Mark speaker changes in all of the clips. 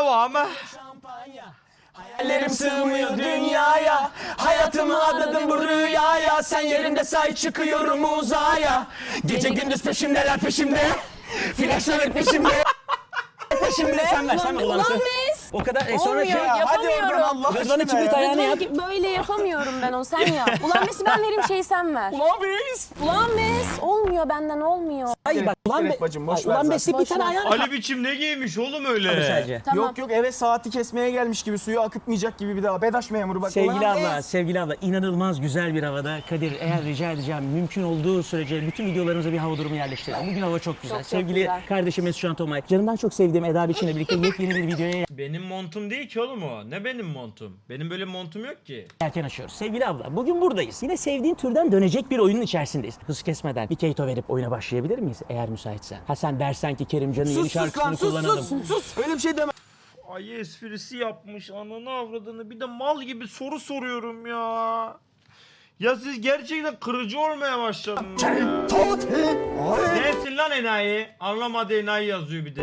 Speaker 1: Devam.
Speaker 2: Hayallerim sığmıyor dünyaya, hayatımı adadım bu rüyaya. Sen yerinde say çıkıyorum uzaya. Gece gündüz peşimdeler peşimde, flaşlar peşimde. Peşimde sen ver
Speaker 3: Ulan
Speaker 2: sen.
Speaker 3: Mes.
Speaker 2: O kadar sonra
Speaker 3: Olmuyor,
Speaker 2: şey
Speaker 3: yapamıyorum.
Speaker 2: Hadi oradan Allah
Speaker 4: Rıdvan'ın
Speaker 2: aşkına
Speaker 4: kibrit
Speaker 2: ya.
Speaker 4: ayağını yap.
Speaker 3: Böyle yapamıyorum ben onu, sen yap. Ulan Mes'i ben vereyim, şeyi sen ver.
Speaker 2: Ulan biz.
Speaker 3: Ulan Mes. Olmuyor, benden olmuyor.
Speaker 4: Hayır bak ulan
Speaker 2: Evet bacım, boş ver
Speaker 4: ulan
Speaker 2: zaten.
Speaker 4: Messi bir tane ayağını
Speaker 1: Ali biçim ne giymiş oğlum öyle?
Speaker 4: sadece.
Speaker 3: Tamam.
Speaker 2: Yok yok, eve saati kesmeye gelmiş gibi, suyu akıtmayacak gibi bir daha. Bedaş memuru bak.
Speaker 4: Sevgili
Speaker 2: ulan
Speaker 4: abla,
Speaker 2: biz.
Speaker 4: sevgili abla inanılmaz güzel bir havada. Kadir eğer rica edeceğim mümkün olduğu sürece bütün videolarımıza bir hava durumu yerleştirelim. Bugün hava çok güzel.
Speaker 3: Çok
Speaker 4: Sevgili
Speaker 3: güzel.
Speaker 4: kardeşim Mesut Can Tomay. Canımdan çok sevdiğim Eda Biçim'le birlikte yepyeni bir videoya
Speaker 1: Benim montum değil ki oğlum o. Ne benim montum? Benim böyle montum yok ki.
Speaker 4: erken açıyoruz. Sevgili abla bugün buradayız. Yine sevdiğin türden dönecek bir oyunun içerisindeyiz. Hız kesmeden bir keyto verip oyuna başlayabilir miyiz eğer müsaitsen? Ha sen dersen ki Kerimcan'ın yeni
Speaker 2: Sus sus lan,
Speaker 4: şarkısını
Speaker 2: sus
Speaker 4: kullanalım.
Speaker 2: sus. Öyle bir şey deme.
Speaker 1: Ay esprisi yapmış ananı avradını. Bir de mal gibi soru soruyorum ya. Ya siz gerçekten kırıcı olmaya başladınız ya. Sensin lan enayi. Anlamadı enayi yazıyor bir de.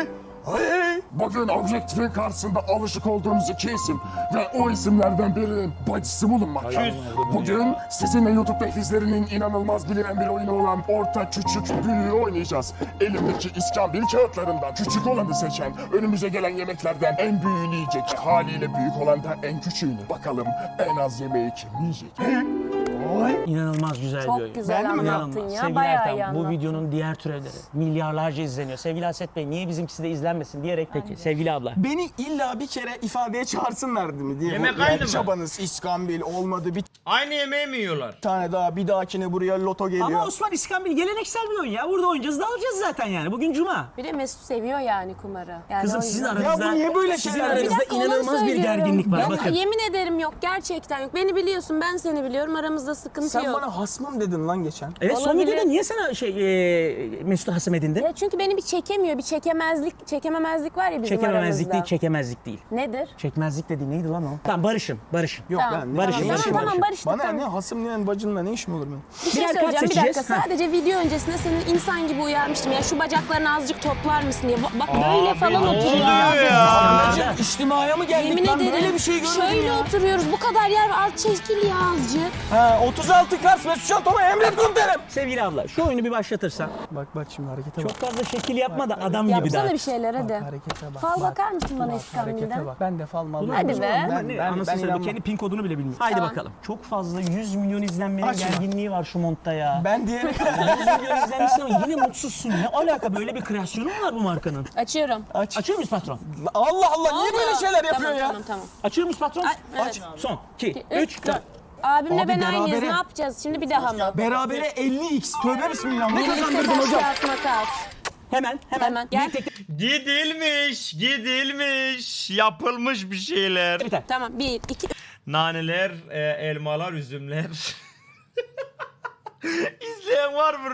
Speaker 5: Bugün objektifin karşısında alışık olduğumuz iki isim ve o isimlerden birinin bacısı bulunmakta.
Speaker 1: Küs.
Speaker 5: Bugün sizinle YouTube izlerinin inanılmaz bilinen bir oyunu olan Orta Küçük Büyüğü oynayacağız. Elimdeki iskambil kağıtlarından küçük olanı seçen, önümüze gelen yemeklerden en büyüğünü yiyecek, haliyle büyük olan da en küçüğünü. Bakalım en az yemeği kim yiyecek?
Speaker 4: İnanılmaz güzel bir oyun.
Speaker 3: Çok güzel anlattın
Speaker 4: İnanılmaz.
Speaker 3: ya,
Speaker 4: Sevgili
Speaker 3: bayağı
Speaker 4: Ertan,
Speaker 3: iyi
Speaker 4: bu
Speaker 3: anlattın.
Speaker 4: videonun diğer türevleri milyarlarca izleniyor. Sevgili Haset Bey niye bizimkisi de izlenmesin diyerek peki sevgili abla.
Speaker 2: Beni illa bir kere ifadeye çağırsınlar değil mi diye.
Speaker 1: Yemek
Speaker 2: Bu
Speaker 1: aynı mı?
Speaker 2: Çabanız iskambil olmadı, bir
Speaker 1: Aynı yemeği mi yiyorlar?
Speaker 2: tane daha, bir dahakine buraya loto geliyor.
Speaker 4: Ama Osman İskambil geleneksel bir oyun ya. Burada oynayacağız, dağılacağız zaten yani. Bugün cuma.
Speaker 3: Bir de Mesut seviyor yani kumarı. Yani
Speaker 4: Kızım
Speaker 3: o
Speaker 4: sizin
Speaker 3: yüzden.
Speaker 4: aranızda,
Speaker 2: Ya bu niye böyle
Speaker 4: sizin
Speaker 2: şeyler?
Speaker 3: Bir
Speaker 4: aranızda
Speaker 3: dakika, onu
Speaker 4: inanılmaz bir
Speaker 3: söylüyorum.
Speaker 4: gerginlik var.
Speaker 3: Ben
Speaker 4: Bakın.
Speaker 3: yemin ederim yok, gerçekten yok. Beni biliyorsun, ben seni biliyorum. Aramızda sıkıntı
Speaker 2: Sen
Speaker 3: yok.
Speaker 2: bana hasmım dedin lan geçen.
Speaker 4: Evet son
Speaker 3: Olabilir.
Speaker 4: videoda niye sana Mesut'u hasım edindin?
Speaker 3: Ya çünkü beni bir çekemiyor. Bir çekememezlik var ya bizim
Speaker 4: Çekememezlik
Speaker 3: aramızda.
Speaker 4: değil, çekemezlik değil.
Speaker 3: Nedir?
Speaker 4: Çekmezlik dediğin neydi lan o? Tamam barışın.
Speaker 2: Yok
Speaker 3: Tamam.
Speaker 2: ben
Speaker 4: Barış'ın,
Speaker 2: ne
Speaker 4: Barış'ın,
Speaker 2: işim
Speaker 3: Tamam
Speaker 2: var?
Speaker 3: tamam, barıştık.
Speaker 2: Bana
Speaker 3: tamam.
Speaker 2: ne hasım ne bacınla ne işim olur benim?
Speaker 3: Bir şey
Speaker 4: Birer kart
Speaker 3: söyleyeceğim, bir
Speaker 4: seçeceğiz.
Speaker 3: dakika.
Speaker 4: Ha.
Speaker 3: Sadece video öncesinde senin insan gibi uyarmıştım. Ya şu bacaklarını azıcık toplar mısın diye. Bak böyle
Speaker 1: Abi,
Speaker 3: falan
Speaker 1: ne
Speaker 3: oturuyor.
Speaker 1: oluyor ya?
Speaker 2: Bacım içtimaya mı geldik
Speaker 3: Yemin
Speaker 2: lan?
Speaker 3: ederim.
Speaker 2: Böyle bir şey görmedim
Speaker 3: Şöyle
Speaker 2: ya.
Speaker 3: oturuyoruz. Bu kadar yer var. Az çekil ya azıcık.
Speaker 2: Ha 36 Kars Mesut Can Tomay emret komutanım.
Speaker 4: Sevgili abla şu oyunu bir başlatırsan.
Speaker 2: Bak şimdi harekete
Speaker 4: Çok fazla şekil yapma da adam gibi
Speaker 3: Yapsana
Speaker 4: daha.
Speaker 3: bir şeyler hadi.
Speaker 2: Harekete bak.
Speaker 3: Fal
Speaker 2: bak.
Speaker 3: bakar mısın bana
Speaker 2: Harekete
Speaker 3: İskambil'den?
Speaker 2: bak. Ben de fal mal.
Speaker 3: Hadi be.
Speaker 4: Ne anasını satayım, kendi pin kodunu bile bilmiyor. Haydi
Speaker 3: Tamam.
Speaker 4: bakalım. Çok fazla 100 milyon izlenmenin
Speaker 2: Açma.
Speaker 4: gerginliği var şu montta ya.
Speaker 2: Ben diğeri
Speaker 4: 100 milyon izlenmişsin ama yine mutsuzsun. Ne alaka, böyle bir kreasyonu mu var bu markanın?
Speaker 3: Açıyorum.
Speaker 2: aç.
Speaker 4: Açıyor muyuz patron?
Speaker 2: Allah Allah niye
Speaker 3: Oldu.
Speaker 2: böyle şeyler yapıyor
Speaker 3: Tamam,
Speaker 2: ya?
Speaker 3: Tamam.
Speaker 4: Açıyor muyuz patron?
Speaker 3: Evet.
Speaker 4: Aç. Son 2,
Speaker 3: 3,
Speaker 4: 3,
Speaker 3: 4. Abimle
Speaker 2: Abi
Speaker 3: ben aynıyız.
Speaker 2: berabere.
Speaker 3: Ne yapacağız? Şimdi bir daha mı?
Speaker 2: Berabere 50x. Tövbe bismillah. Ne
Speaker 3: Birlikte
Speaker 2: kazandırdın
Speaker 3: taş
Speaker 2: hocam?
Speaker 3: kağıt makas.
Speaker 4: Hemen.
Speaker 3: Gel.
Speaker 1: Gidilmiş. Yapılmış bir şeyler.
Speaker 4: Biter.
Speaker 3: Tamam. 1, 2,
Speaker 1: Naneler, elmalar, üzümler. İzleyen var mı?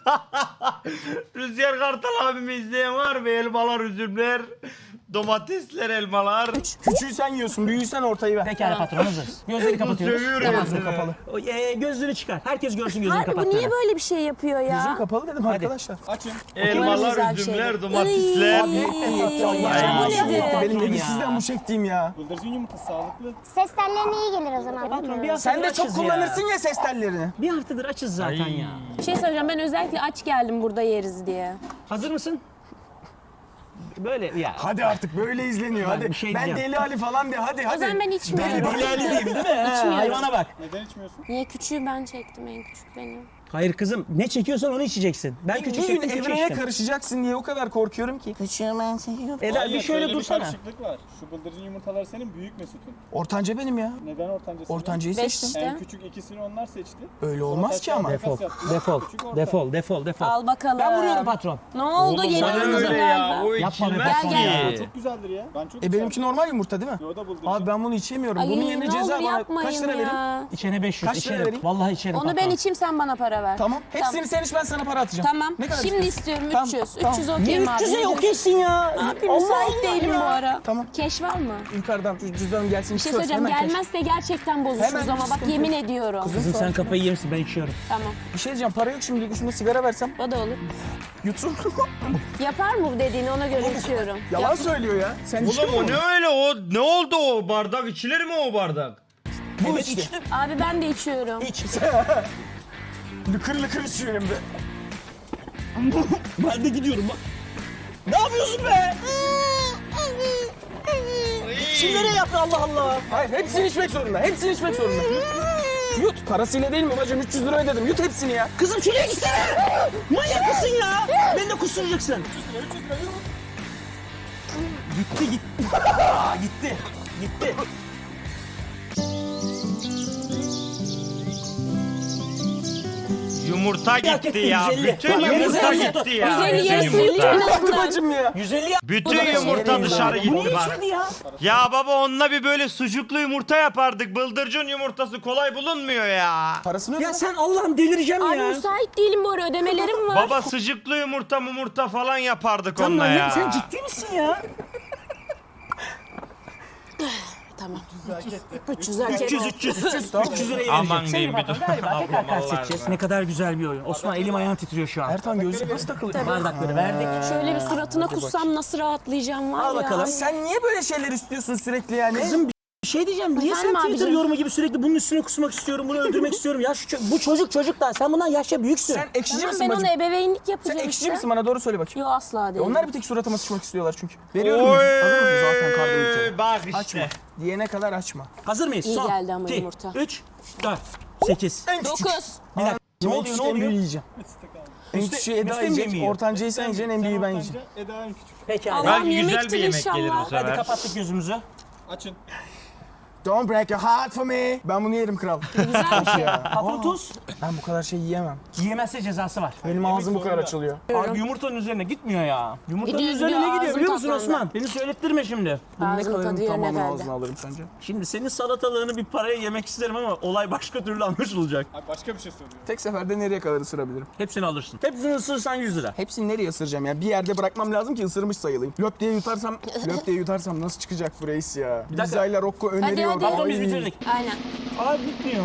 Speaker 1: Rüzgar Kartal abimi izleyen var mı? Elmalar, üzümler, domatesler, elmalar.
Speaker 2: Küçüğü sen yiyorsun, büyüğü sen ortayı ver.
Speaker 4: Pekala patron hazırız. Gözleri kapatıyoruz.
Speaker 1: Sövüyorum
Speaker 2: Gözüm
Speaker 1: seni.
Speaker 2: kapalı.
Speaker 4: Gözlüğünü çıkar. Herkes görsün gözünü
Speaker 3: Harbi bu
Speaker 4: kapattığını.
Speaker 3: niye böyle bir şey yapıyor ya?
Speaker 2: Gözüm kapalı dedim arkadaşlar. Açın.
Speaker 1: Elmalar,
Speaker 3: Güzel
Speaker 1: üzümler,
Speaker 3: şeyler.
Speaker 1: domatesler.
Speaker 2: Abi
Speaker 3: Ay,
Speaker 2: ya.
Speaker 3: bu nedir?
Speaker 2: Benim de
Speaker 4: Ya.
Speaker 2: bir sizden bu çektiğim ya.
Speaker 6: Bıldırcın yumurtası sağlıklı.
Speaker 7: Ses tellerine iyi gelir o zaman.
Speaker 4: Patron bir
Speaker 2: Sen
Speaker 4: haftadır
Speaker 2: de çok
Speaker 4: açız ya.
Speaker 2: kullanırsın ya ses tellerini.
Speaker 4: Bir haftadır açız zaten
Speaker 1: Ay.
Speaker 4: ya.
Speaker 3: Bir şey söyleyeceğim. Ben özellikle aç geldim burada yeriz diye.
Speaker 4: Hazır mısın? Böyle ya.
Speaker 2: Hadi artık böyle izleniyor hadi.
Speaker 4: bir şey
Speaker 2: Ben
Speaker 4: diyeceğim.
Speaker 2: Deli Ali falan de hadi
Speaker 3: O
Speaker 2: hadi.
Speaker 3: zaman ben içmiyorum.
Speaker 4: Deli Ali değil mi?
Speaker 3: İçmiyorum.
Speaker 4: Hayvana bak.
Speaker 6: Neden içmiyorsun?
Speaker 3: Niye küçüğü ben çektim, en küçük benim.
Speaker 4: Hayır kızım, ne çekiyorsan onu içeceksin. Ben küçük
Speaker 2: Bir gün
Speaker 4: çektim, küçük
Speaker 2: evrene
Speaker 4: içtim.
Speaker 2: karışacaksın diye o kadar korkuyorum ki.
Speaker 4: Eda
Speaker 6: Hayır,
Speaker 4: bir şöyle
Speaker 6: şöyle
Speaker 4: dursana.
Speaker 6: Bir karışıklık var. Şu bıldırcın yumurtalar senin büyük Mesut'un.
Speaker 2: Ortanca benim ya.
Speaker 6: Neden ortancası?
Speaker 2: Ortancayı
Speaker 3: 5
Speaker 2: seçtim.
Speaker 3: işte.
Speaker 6: En küçük ikisini onlar seçti.
Speaker 2: Öyle olmaz ki ama.
Speaker 4: Defol,
Speaker 6: Yaptılar.
Speaker 4: defol,
Speaker 6: Küçük orta.
Speaker 4: defol, defol, defol.
Speaker 3: Al bakalım.
Speaker 4: Ben vuruyorum patron.
Speaker 3: Ne oldu?
Speaker 1: Oğlum
Speaker 3: Yeni
Speaker 1: bana
Speaker 3: kırmızı
Speaker 1: öyle ya.
Speaker 3: galiba.
Speaker 1: O
Speaker 4: Yapma be
Speaker 1: içilmez
Speaker 4: patron
Speaker 3: Gel,
Speaker 1: ki.
Speaker 6: Çok güzeldir ya. Ben çok
Speaker 2: Benimki normal yumurta değil mi?
Speaker 6: O da bıldırcın.
Speaker 2: Abi ben bunu içemiyorum.
Speaker 3: Ay,
Speaker 2: Bunun yerine
Speaker 3: ne
Speaker 2: ceza
Speaker 3: olur
Speaker 2: bana
Speaker 3: yapmayın
Speaker 2: kaç lira vereyim?
Speaker 3: ya.
Speaker 4: İçene 500,
Speaker 2: Kaç lira
Speaker 4: içerim.
Speaker 2: vereyim?
Speaker 4: Vallahi içerim
Speaker 3: Onu
Speaker 4: patron.
Speaker 3: ben içeyim, sen bana para para ver.
Speaker 2: Tamam. Hepsini sen iç, ben sana para atacağım.
Speaker 3: Tamam.
Speaker 2: Ne kadar
Speaker 3: Şimdi
Speaker 2: istiyorsun?
Speaker 3: istiyorum
Speaker 2: Tamam,
Speaker 3: 300.
Speaker 2: tamam.
Speaker 3: 300
Speaker 4: Niye
Speaker 3: okeyim abi.
Speaker 4: 300'e yok etsin ya?
Speaker 3: Abi müsait değilim bu ara.
Speaker 2: Tamam.
Speaker 3: Keş var mı?
Speaker 2: Yukarıdan şu cüzdanım gelsin.
Speaker 3: Bir şey söyleyeceğim. Gelmezse gerçekten bozuşuruz
Speaker 2: Hemen,
Speaker 3: ama bak
Speaker 2: sıkıntı
Speaker 3: yemin
Speaker 2: yok.
Speaker 3: ediyorum.
Speaker 4: Kızım sen kafayı yemişsin, ben içiyorum.
Speaker 3: Tamam.
Speaker 2: Bir şey diyeceğim, para yok şimdi, üstünde sigara versem
Speaker 3: O da olur.
Speaker 2: yutsun.
Speaker 3: Yapar mı bu dediğini, ona göre içiyorum.
Speaker 2: Yalan söylüyor ya. Sen içtin
Speaker 1: Oğlum o
Speaker 2: mi?
Speaker 1: ne öyle o? Ne oldu o bardak? İçilir mi o bardak?
Speaker 2: Bu
Speaker 4: Evet,
Speaker 2: içti.
Speaker 4: içtim.
Speaker 3: Abi ben de içiyorum.
Speaker 4: İç.
Speaker 2: Lıkır lıkır içiyor hem de.
Speaker 4: Ben de gidiyorum bak. Ne yapıyorsun be? Kimlere yaptı Allah Allah?
Speaker 2: Hayır, hepsini içmek zorunda. Hepsini içmek zorunda. Yut. Parasıyla değil mi babacığım? 300 lira ödedim. Yut hepsini ya.
Speaker 4: Kızım şuraya gitsene. Manyak mısın ya? Beni de kusturacaksın. Gitti gitti. Gitti. Gitti.
Speaker 1: Yumurta gitti
Speaker 4: etti,
Speaker 1: ya.
Speaker 4: 150.
Speaker 1: Bütün
Speaker 4: Bak,
Speaker 1: yumurta
Speaker 4: 150.
Speaker 1: gitti ya.
Speaker 3: 150
Speaker 1: Bütün
Speaker 3: yarısı
Speaker 1: yumurta.
Speaker 3: yuttu.
Speaker 2: Bacım ya.
Speaker 4: 150 ya.
Speaker 1: Bütün yumurta dışarı
Speaker 4: Bu
Speaker 1: gitti
Speaker 4: niye
Speaker 1: bari.
Speaker 4: içmedi ya?
Speaker 1: Ya baba onunla bir böyle sucuklu yumurta yapardık. Bıldırcın yumurtası kolay bulunmuyor ya.
Speaker 2: Parasını öde.
Speaker 4: Ya sen Allah'ım delireceğim
Speaker 3: Abi
Speaker 4: ya.
Speaker 3: müsait değilim bu ara, ödemelerim var.
Speaker 1: Baba sucuklu yumurta falan yapardık
Speaker 4: Sen
Speaker 1: onunla ya.
Speaker 4: manyak, sen ciddi misin ya?
Speaker 3: Tamam. 300 hak ettim.
Speaker 4: 300 lirayı
Speaker 1: Aman
Speaker 4: vereceğim.
Speaker 1: diyeyim
Speaker 4: Sayın
Speaker 1: bir
Speaker 4: bakalım,
Speaker 1: dur.
Speaker 4: galiba tekrar
Speaker 1: Ablam
Speaker 4: kart
Speaker 1: Allah
Speaker 4: seçeceğiz.
Speaker 1: Allah.
Speaker 4: Ne kadar güzel bir oyun. Osman elim ayağım titriyor şu an.
Speaker 2: Ertan gözlük nasıl takılıyor?
Speaker 4: Bardakları verdik.
Speaker 3: Şöyle bir suratına kussam nasıl rahatlayacağım var
Speaker 4: Al
Speaker 3: ya.
Speaker 4: bakalım.
Speaker 2: Sen niye böyle şeyler istiyorsun sürekli yani?
Speaker 4: Kızım bir şey diyeceğim. Niye
Speaker 3: Efendim
Speaker 4: sen Twitter
Speaker 3: abicim?
Speaker 4: yorumu gibi sürekli bunun üstüne kusmak istiyorum, bunu öldürmek istiyorum? Ya bu çocuk da. Sen bundan yaşça büyüksün.
Speaker 2: Sen ekşici
Speaker 3: Tamam,
Speaker 2: misin
Speaker 3: ben ona
Speaker 2: bacım?
Speaker 3: ebeveynlik
Speaker 2: Sen
Speaker 3: yapacağım
Speaker 2: ekşici
Speaker 3: işte.
Speaker 2: misin, bana doğru söyle bakayım.
Speaker 3: Yo asla değil.
Speaker 2: Onlar bir tek suratıma sıçmak istiyorlar çünkü. Veriyorum. ya. Hazır mısın zaten karda ülkeye?
Speaker 1: Bak işte.
Speaker 2: Açma. Diyene kadar açma.
Speaker 4: Hazır mıyız?
Speaker 3: İyi
Speaker 4: Son,
Speaker 3: geldi ama
Speaker 4: 2,
Speaker 3: yumurta.
Speaker 4: 3, 4, 8.
Speaker 2: En küçük.
Speaker 3: 9.
Speaker 4: Bir dakika. Ne oluyor, ne
Speaker 2: En büyüğü
Speaker 4: oluyor?
Speaker 2: yiyeceğim. En
Speaker 4: Üste-
Speaker 2: küçüğü Eda
Speaker 4: üste mi
Speaker 2: yiyecek,
Speaker 4: yemiyor?
Speaker 2: ortancayı sen yiyeceksin, en büyüğü ben yiyeceğim.
Speaker 6: Eda en küçük.
Speaker 4: Peki abi.
Speaker 3: Allah'ım
Speaker 1: Belki güzel
Speaker 3: yemektir
Speaker 1: bir yemek gelir bu
Speaker 3: inşallah.
Speaker 1: sefer.
Speaker 4: Hadi kapattık gözümüzü.
Speaker 6: Açın.
Speaker 2: Don't break your heart for me. Ben bunu yerim kral.
Speaker 3: Güzel bir şey.
Speaker 4: Patron tuz.
Speaker 2: Ben bu kadar şey yiyemem.
Speaker 4: Yiyemezse cezası var.
Speaker 2: Benim ağzım bu kadar
Speaker 6: zorunda.
Speaker 2: açılıyor.
Speaker 4: Abi yumurtanın üzerine gitmiyor ya. Yumurtanın
Speaker 3: Gidiyor,
Speaker 4: üzerine
Speaker 3: gidiyor.
Speaker 4: ne gidiyor
Speaker 3: Ağzım
Speaker 4: biliyor musun
Speaker 3: tatlandı.
Speaker 4: Osman? Beni söylettirme şimdi.
Speaker 2: Bunu ne
Speaker 3: Ağzım
Speaker 2: kadarını
Speaker 3: tadı yerine
Speaker 2: tamamını
Speaker 3: geldi.
Speaker 2: ağzına alırım sence?
Speaker 4: Şimdi senin salatalığını bir paraya yemek isterim ama olay başka türlü anlaşılacak.
Speaker 6: Abi başka bir şey soruyor.
Speaker 2: Tek seferde nereye kadar ısırabilirim?
Speaker 4: Hepsini alırsın. Hepsini ısırırsan 100 lira.
Speaker 2: Hepsini nereye ısıracağım ya? Bir yerde bırakmam lazım ki ısırmış sayılayım. Löp diye yutarsam nasıl çıkacak bu reis ya?
Speaker 4: dakika.
Speaker 2: Liza ile Rocco öneriyor.
Speaker 3: hadi.
Speaker 4: Patron biz
Speaker 2: Ay.
Speaker 4: bitirdik.
Speaker 3: Aynen.
Speaker 4: Abi bitmiyor.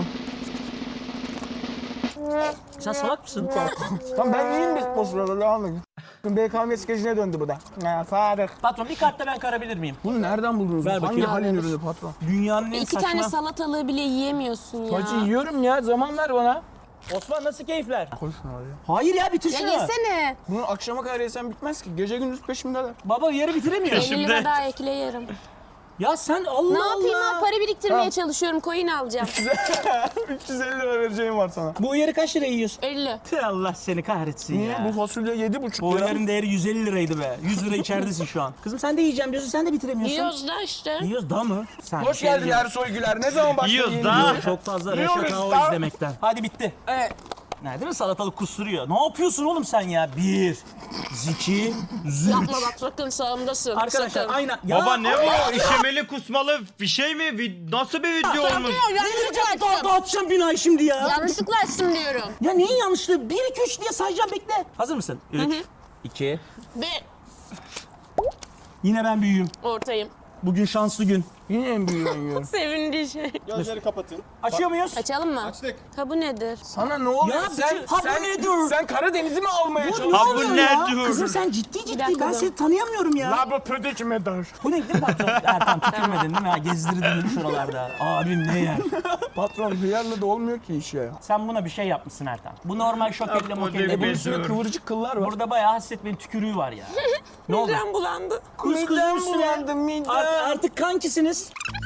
Speaker 4: Sen salak mısın?
Speaker 2: Tamam ben yiyeyim bir o sırada devam edin. BKM skecine döndü bu da. Ya Faruk.
Speaker 4: Patron bir kartta ben karabilir miyim?
Speaker 2: Bunu nereden buldunuz?
Speaker 4: Ver
Speaker 2: Hangi
Speaker 4: bakayım.
Speaker 2: halin ürünü patron?
Speaker 4: Dünyanın en
Speaker 3: İki
Speaker 4: saçma...
Speaker 3: tane salatalığı bile yiyemiyorsun ya.
Speaker 2: Hacı yiyorum ya, zaman ver bana.
Speaker 4: Osman nasıl keyifler?
Speaker 2: Koy şunu oraya.
Speaker 4: Hayır ya bitir
Speaker 3: Ya
Speaker 4: şunu.
Speaker 3: yesene.
Speaker 2: Bunu akşama kadar yesem bitmez ki. Gece gündüz peşimdeler.
Speaker 4: Baba yarı bitiremiyor.
Speaker 3: 50 lira daha ekle yerim.
Speaker 4: Ya sen Allah
Speaker 3: Ne yapayım
Speaker 4: Allah.
Speaker 3: abi, para biriktirmeye
Speaker 2: Tamam.
Speaker 3: çalışıyorum, coin alacağım.
Speaker 2: 350 lira vereceğim var sana.
Speaker 4: Bu yarı kaç lira yiyorsun?
Speaker 3: 50.
Speaker 4: Tüh, Allah seni kahretsin
Speaker 2: Niye?
Speaker 4: ya.
Speaker 2: Bu fasulye 7,5
Speaker 4: Bu
Speaker 2: lira.
Speaker 4: oyların değeri 150 liraydı be. 100 lira içeridesin şu an. Kızım sen de yiyeceğim diyorsun, sen de bitiremiyorsun.
Speaker 3: Yiyoruz da işte.
Speaker 4: Yiyoruz da mı? Sen
Speaker 2: Hoş
Speaker 4: şey
Speaker 2: geldin
Speaker 4: yiyorsun.
Speaker 2: Ersoy Güler. Ne zaman başladın
Speaker 1: Yiyoruz
Speaker 2: yeni
Speaker 1: da.
Speaker 2: dizi?
Speaker 4: Çok fazla
Speaker 2: Yiyoruz
Speaker 4: Reşat Ağo
Speaker 2: da.
Speaker 4: izlemekten. Hadi bitti.
Speaker 3: Evet.
Speaker 4: Ne değil mi? Salatalık kusturuyor. Ne yapıyorsun oğlum sen ya? 1, 2, 3.
Speaker 3: Yapma bak, sakın sağımdasın.
Speaker 4: Arkadaşlar
Speaker 3: sakın.
Speaker 4: aynen. Ya,
Speaker 1: Baba ne bu? İşemeli kusmalı bir şey mi? Nasıl bir video olmuş?
Speaker 3: Yanlışlıkla açtım.
Speaker 4: Dağıtacağım binayı şimdi ya.
Speaker 3: Yanlışlıkla açtım diyorum.
Speaker 4: Ya neyin yanlışlığı? 1, 2, 3 diye sayacağım, bekle. Hazır mısın? 3, 2.
Speaker 3: Bir
Speaker 4: Yine ben büyüğüm.
Speaker 3: ortayım.
Speaker 4: Bugün şanslı gün.
Speaker 2: Yine en büyüğünü yiyorum.
Speaker 3: Sevindiği şey.
Speaker 6: Gözleri kapatın.
Speaker 4: Açıyor muyuz?
Speaker 3: Açalım mı?
Speaker 6: Açtık.
Speaker 3: Ha bu nedir?
Speaker 2: Sana ne oluyor?
Speaker 4: Ya bu nedir?
Speaker 2: Sen Karadeniz'i mi almaya
Speaker 1: Ha
Speaker 2: çalışıyorsun?
Speaker 1: bu
Speaker 4: Ya,
Speaker 1: ne dur?
Speaker 4: kızım sen ciddi
Speaker 3: dakika
Speaker 4: ben
Speaker 3: dur.
Speaker 4: seni tanıyamıyorum ya.
Speaker 2: La bu pödek medar.
Speaker 4: Bu ne değil mi patron? Ertan tükürmedin değil mi? Ha, gezdirdin şuralarda. Abim ne yer?
Speaker 2: Patron hıyarla da olmuyor ki iş ya.
Speaker 4: Sen buna bir şey yapmışsın Ertan. Bu normal şokelle
Speaker 1: Yapma
Speaker 4: mokelle.
Speaker 1: dedim.
Speaker 2: Bunun
Speaker 4: Bunun
Speaker 2: üstünde
Speaker 1: Dur.
Speaker 2: kıvırcık kıllar var.
Speaker 4: Burada bayağı hasretmenin tükürüğü var ya. Ne oldu?
Speaker 3: Midem bulandı.
Speaker 2: Midem
Speaker 4: üstüne.
Speaker 2: bulandı, midem.
Speaker 4: Artık kankisiniz.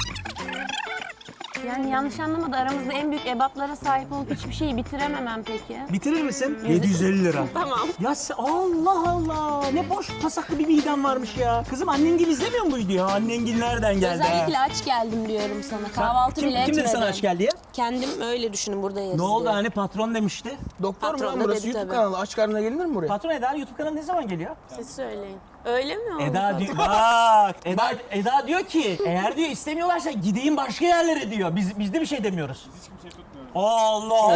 Speaker 3: Yani yanlış anlamadı, aramızda en büyük ebatlara sahip olup hiçbir şeyi bitirememem peki.
Speaker 4: Bitirir misin? 750 lira.
Speaker 3: Tamam.
Speaker 4: Ya Allah Allah. Ne boş pasaklı bir midem varmış ya. Kızım annen gibi izlemiyor mu bu videoyu? Annen gibi nereden geldi
Speaker 3: Özellikle
Speaker 4: ha?
Speaker 3: aç geldim diyorum sana. Kahvaltı bile
Speaker 4: Kim
Speaker 3: etmedim.
Speaker 4: dedi sana aç geldi ya?
Speaker 3: Kendim öyle düşünün, burada yeriz
Speaker 4: Ne oldu
Speaker 3: diye.
Speaker 4: hani patron demişti.
Speaker 2: Doktor mu
Speaker 3: Patron
Speaker 2: lan
Speaker 3: da
Speaker 2: burası?
Speaker 3: dedi
Speaker 2: YouTube
Speaker 3: tabii.
Speaker 2: kanalı. Aç karnına gelinir mi buraya?
Speaker 4: Patron Eda YouTube kanalı ne zaman geliyor?
Speaker 3: Siz söyleyin. Öyle mi oldu?
Speaker 4: Eda diyor, bak Eda diyor ki eğer diyor istemiyorlarsa gideyim başka yerlere diyor. Biz de bir şey demiyoruz.
Speaker 6: Hiç kimseyi tutmuyoruz.
Speaker 2: Allah.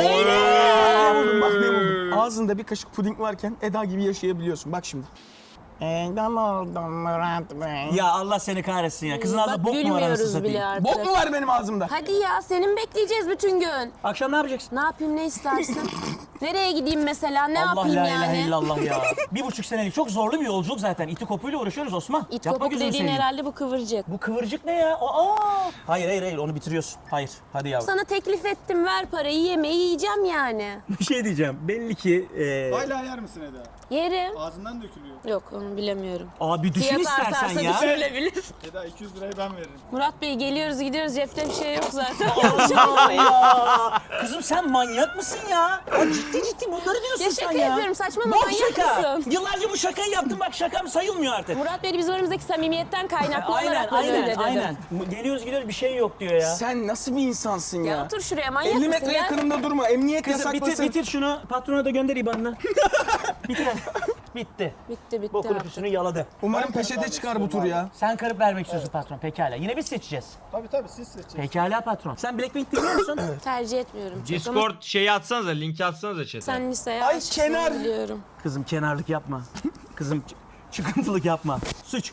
Speaker 2: Ne buldum bak, ne buldum. Ağzında bir kaşık puding varken Eda gibi yaşayabiliyorsun. Bak şimdi. Edam oldum Murat Bey. Ya Allah seni kahretsin ya. Kızın ağzında bok mu var anasını
Speaker 3: Gülmüyoruz bile
Speaker 2: satayım?
Speaker 3: artık.
Speaker 2: Bok mu var benim ağzımda?
Speaker 3: Hadi ya senin bekleyeceğiz bütün gün.
Speaker 4: Akşam ne yapacaksın?
Speaker 3: Ne yapayım ne istersin? Nereye gideyim mesela ne
Speaker 4: Allah
Speaker 3: yapayım
Speaker 4: la
Speaker 3: yani?
Speaker 4: ilahe illallah ya. 1,5 senelik çok zorlu bir yolculuk zaten. İti kopuyla uğraşıyoruz Osman.
Speaker 3: İt
Speaker 4: Yapma
Speaker 3: kopuk
Speaker 4: gözünü
Speaker 3: dediğin
Speaker 4: seveyim.
Speaker 3: herhalde bu kıvırcık.
Speaker 4: Bu kıvırcık ne ya? Aa! Hayır onu bitiriyorsun. Hayır hadi yavrum.
Speaker 3: Sana teklif ettim ver parayı yemeği yiyeceğim yani.
Speaker 4: Bir şey diyeceğim. Belli ki
Speaker 6: Hala yer misin Eda?
Speaker 3: Yerim.
Speaker 6: Ağzından dökülüyor.
Speaker 3: Yok onu bilemiyorum.
Speaker 4: Abi düşün
Speaker 3: Fiyat
Speaker 4: istersen
Speaker 3: artarsa
Speaker 4: ya.
Speaker 3: düşürülebilir.
Speaker 6: Eda 200 lirayı ben veririm.
Speaker 3: Murat Bey geliyoruz gidiyoruz cepte bir şey yok zaten.
Speaker 4: Allah ya. Kızım sen manyak mısın ya? Ciddi bunları diyorsun
Speaker 3: Ya
Speaker 4: sen
Speaker 3: şaka
Speaker 4: ya.
Speaker 3: yapıyorum saçmalama
Speaker 4: Bok
Speaker 3: manyak
Speaker 4: şaka.
Speaker 3: mısın?
Speaker 4: Yıllarca bu şakayı yaptım bak şakam sayılmıyor artık.
Speaker 3: Murat Bey bizim aramızdaki samimiyetten kaynaklı olarak böyle öyle dedim.
Speaker 4: aynen. Geliyoruz gidiyoruz bir şey yok diyor ya.
Speaker 2: Sen nasıl bir insansın ya?
Speaker 3: Ya otur şuraya manyak
Speaker 2: 50
Speaker 3: mısın
Speaker 2: metre
Speaker 3: ya?
Speaker 2: yakınımda durma. Emniyet
Speaker 4: Kızım
Speaker 2: yasaklasın.
Speaker 4: bitir şunu. Patrona da gönder IBAN'ını. Bitir. Bitti.
Speaker 3: Bitti
Speaker 4: Bokunu
Speaker 3: artık.
Speaker 4: püsünü yaladı.
Speaker 2: Umarım peçete çıkar bu tur ya.
Speaker 4: Sen karıp vermek istiyorsun patron. Pekala. Yine biz seçeceğiz.
Speaker 6: Tabii siz seçeceksiniz.
Speaker 4: Pekala patron. Sen Blackpink dinliyor musun?
Speaker 3: Tercih etmiyorum. çok ama
Speaker 1: Discord şeyi atsanıza, linki atsanıza chat'e.
Speaker 3: Sen liseye
Speaker 2: Ay,
Speaker 3: aşıksın
Speaker 2: kenar.
Speaker 3: biliyorum.
Speaker 4: Kızım kenarlık yapma. Kızım çıkıntılık yapma. Suç.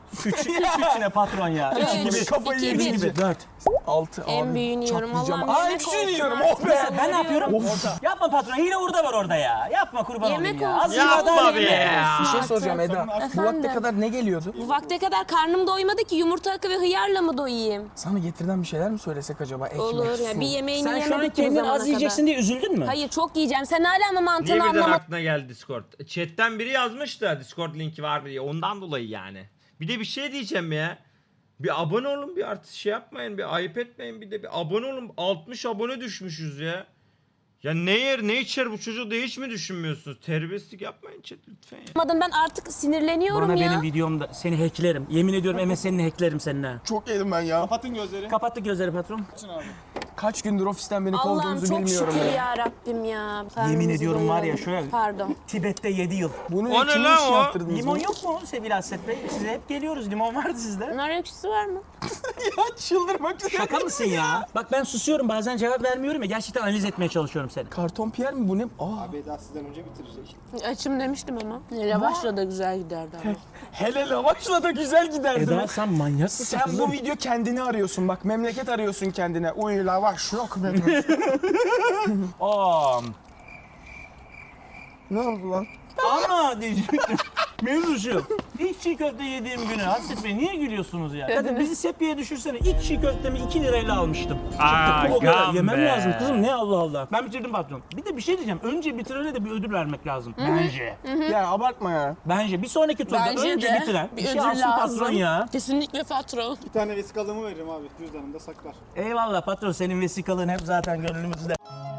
Speaker 4: Suçine patron ya.
Speaker 3: Üç,
Speaker 4: İki gibi.
Speaker 2: Kafayı
Speaker 3: iki,
Speaker 2: yemiş
Speaker 3: bir.
Speaker 2: gibi. 4. 6 abi.
Speaker 3: En büyüğünü yiyorum.
Speaker 2: çatlayacağım.
Speaker 3: Allah'ım
Speaker 2: Aa
Speaker 3: yemek
Speaker 2: hepsini
Speaker 3: olsun
Speaker 2: yiyorum.
Speaker 3: artık.
Speaker 2: Oh be.
Speaker 4: Ben ne yapıyorum? Yapma patron. Hile hurda var orada ya. Yapma kurban
Speaker 3: Yemek
Speaker 4: olayım ya.
Speaker 3: olsun.
Speaker 4: Az
Speaker 1: Yapma
Speaker 4: daha
Speaker 1: be
Speaker 4: yemek
Speaker 1: ya.
Speaker 4: olsun.
Speaker 2: Bir şey soracağım Eda. Bu vakte
Speaker 3: Efendim?
Speaker 2: kadar ne geliyordu?
Speaker 3: Bu vakte kadar karnım doymadı ki yumurta akı ve hıyarla mı doyayım?
Speaker 2: Sana getirden bir şeyler mi söylesek acaba? Ekmek,
Speaker 3: Olur
Speaker 2: su.
Speaker 3: ya bir yemeğini
Speaker 4: Sen şu an
Speaker 3: yemedik ki bu
Speaker 4: kendini
Speaker 3: zamana
Speaker 4: az yiyeceksin
Speaker 3: kadar.
Speaker 4: diye üzüldün mü?
Speaker 3: Hayır çok yiyeceğim. Sen hala ama
Speaker 1: Niye
Speaker 3: mantığını
Speaker 1: birden
Speaker 3: anlamadın.
Speaker 1: aklına geldi Discord? Chat'ten biri yazmış da Discord linki var mı diye. Ondan dolayı yani. Bir de bir şey diyeceğim ya. Bir abone olun bir artık şey yapmayın. Bir ayıp etmeyin bir de bir abone olun. 60 abone düşmüşüz ya. Ya ne yer ne içer bu çocuğu da hiç mi düşünmüyorsunuz? Terbiyesizlik yapmayın chat lütfen ya.
Speaker 3: Ben artık sinirleniyorum
Speaker 4: Bana
Speaker 3: ya.
Speaker 4: benim videomda seni hacklerim. Yemin ediyorum MSN'ini hacklerim seninle.
Speaker 2: Çok yedim ben ya.
Speaker 6: Kapatın gözleri.
Speaker 4: Kapattık gözleri patron.
Speaker 6: Açın abi.
Speaker 2: Kaç gündür ofisten beni
Speaker 3: Allah'ım
Speaker 2: kovduğunuzu
Speaker 3: çok
Speaker 2: bilmiyorum
Speaker 3: şükür
Speaker 2: ya.
Speaker 3: ya Rabbim ya.
Speaker 4: Yemin
Speaker 3: Karnımızı
Speaker 4: ediyorum var ya
Speaker 3: doyuralım.
Speaker 4: şöyle.
Speaker 3: Pardon.
Speaker 4: Tibet'te 7 yıl.
Speaker 2: Bunu
Speaker 1: O ne
Speaker 2: kimin
Speaker 1: lan
Speaker 2: için
Speaker 1: o?
Speaker 2: yaptırdınız?
Speaker 4: Limon
Speaker 2: bunu?
Speaker 4: yok mu sevgili Hasret Bey? Size hep geliyoruz. Limon vardı sizde.
Speaker 3: Nar ekşisi var mı?
Speaker 2: Ya çıldırmak üzere.
Speaker 4: Şaka mısın ya? Bak ben susuyorum bazen cevap vermiyorum ya. Gerçekten analiz etmeye çalışıyorum seni.
Speaker 2: Karton Pierre mi bu ne? Aa.
Speaker 6: Abi Eda sizden önce bitirecek.
Speaker 3: Açım demiştim ama. Lavaşla da güzel giderdi ama.
Speaker 2: Hele lavaşla da güzel giderdi.
Speaker 4: Eda sen manyak mısın
Speaker 2: Sen
Speaker 4: kızım?
Speaker 2: bu video kendini arıyorsun bak. Memleket arıyorsun kendine. Uy lavaş yok benim.
Speaker 4: Aa,
Speaker 2: Ne oldu lan?
Speaker 4: ama diyecektim. Mevzu şu. İlk çiğ köfte yediğim günü Hasret Bey niye gülüyorsunuz ya? Kadın bizi sepiye düşürsene. İlk çiğ köftemi 2 lirayla almıştım. O kadar
Speaker 1: Agam
Speaker 4: yemem
Speaker 1: be.
Speaker 4: lazım kızım ne Allah Allah. Ben bitirdim patron. Bir de bir şey diyeceğim. Önce bitirene de bir ödül vermek lazım. Bence.
Speaker 2: Ya abartma ya.
Speaker 4: Bence bir sonraki turda önce bitiren bir şey alsın patron ya.
Speaker 3: Kesinlikle patron.
Speaker 6: Bir tane vesikalığımı veririm abi. Cüzdanımda saklar.
Speaker 4: Eyvallah patron senin vesikalığın hep zaten gönlümüzde.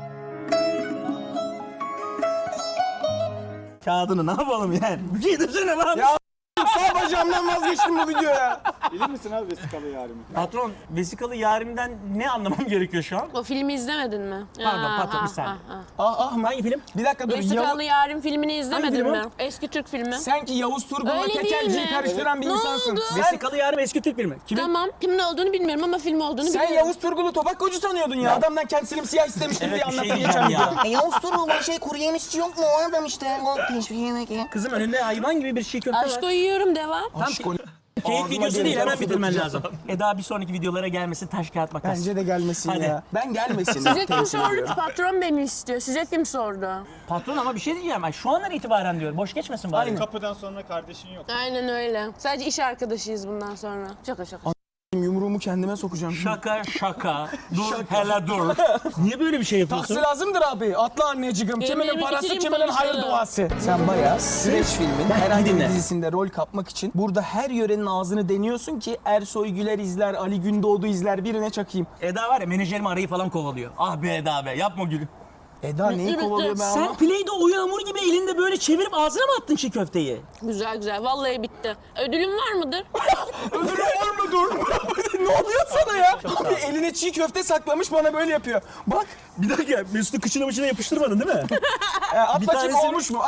Speaker 4: Kağıdını ne yapalım yani? Bir şey desene lan.
Speaker 2: Ya sağ bacağımdan vazgeçtim bu videoya.
Speaker 6: Bilir misin abi vesikalı yarimi?
Speaker 4: Patron vesikalı yarimden ne anlamam gerekiyor şu an?
Speaker 3: O filmi izlemedin mi?
Speaker 4: Pardon, patron, bir saniye. Hangi film?
Speaker 2: Bir dakika dur.
Speaker 3: Vesikalı Yarim filmini
Speaker 4: Hangi
Speaker 3: izlemedin
Speaker 4: film o?
Speaker 3: mi? Eski Türk filmi.
Speaker 2: Sen ki Yavuz Turgul'la
Speaker 3: Öyle değil
Speaker 2: tekelciyi
Speaker 3: mi?
Speaker 2: karıştıran bir
Speaker 3: Ne
Speaker 2: insansın.
Speaker 3: oldu?
Speaker 2: Sen,
Speaker 4: Vesikalı yarim eski Türk filmi. Kimin?
Speaker 3: Tamam. Kimin olduğunu bilmiyorum ama film olduğunu
Speaker 2: sen
Speaker 3: biliyorum.
Speaker 2: Yavuz Turgul'u tobakkocu sanıyordun ya. Adamdan kendisini siyah istemiştim
Speaker 4: Evet,
Speaker 2: diye
Speaker 4: bir şey
Speaker 2: anlattın
Speaker 4: diyeceğim
Speaker 2: geçen
Speaker 4: ya.
Speaker 2: videoda.
Speaker 7: Yavuz Turgul şey kuru yemişçi yok mu? O adam işte. O teşvik yemek ya.
Speaker 4: Kızım önünde hayvan gibi bir şey köfte var.
Speaker 3: Aşko yiyorum devam.
Speaker 2: Aşk o.
Speaker 4: Keyif
Speaker 2: Ağzıma
Speaker 4: videosu değil
Speaker 2: gelin.
Speaker 4: hemen bitirmen lazım. Eda bir sonraki videolara gelmesi taş kağıt makas.
Speaker 2: Bence de gelmesin
Speaker 4: Hadi.
Speaker 2: ya. Ben gelmesin.
Speaker 3: Size kim
Speaker 2: Temsil
Speaker 3: sordu
Speaker 2: ediyorum.
Speaker 3: ki? Patron beni istiyor. Size kim sordu?
Speaker 4: Patron ama bir şey diyeceğim. Ay, şu andan itibaren diyor. Boş geçmesin bari.
Speaker 6: Kapıdan sonra kardeşin yok.
Speaker 3: Aynen öyle. Sadece iş arkadaşıyız bundan sonra. Şaka şaka.
Speaker 2: Yumruğumu kendime sokacağım.
Speaker 4: Şaka şaka. Dur hele dur. Niye böyle bir şey yapıyorsun?
Speaker 2: Taksi lazımdır abi. Atla anneciğim. Kiminin
Speaker 3: Yemeğimi
Speaker 2: parası,
Speaker 3: bitireyim,
Speaker 2: kiminin hayır
Speaker 3: konuşalım.
Speaker 2: duası. Sen bayağı Süreç filmin herhangi bir
Speaker 4: dinle.
Speaker 2: dizisinde rol kapmak için burada her yörenin ağzını deniyorsun ki Ersoy Güler izler, Ali Gündoğdu izler, birine çakayım.
Speaker 4: Eda var ya menajerim arayı falan kovalıyor. Ah be Eda be yapma gülüm.
Speaker 2: Eda neyi
Speaker 3: bitti.
Speaker 2: kovalıyor ben
Speaker 4: Sen
Speaker 2: ama?
Speaker 4: Play-Doh yağmur gibi elinde böyle çevirip ağzına mı attın çiğ köfteyi?
Speaker 3: Güzel güzel. Vallahi bitti. Ödülüm var mıdır?
Speaker 2: Ödülü var mı dur? Ne oluyor sana ya? Abi eline çiğ köfte saklamış bana böyle yapıyor. Bak
Speaker 4: Bir dakika Mesut'u kıçına yapıştırmadın değil mi?
Speaker 2: at
Speaker 4: Bir
Speaker 2: bakayım
Speaker 4: tanesini-
Speaker 2: olmuş mu? At.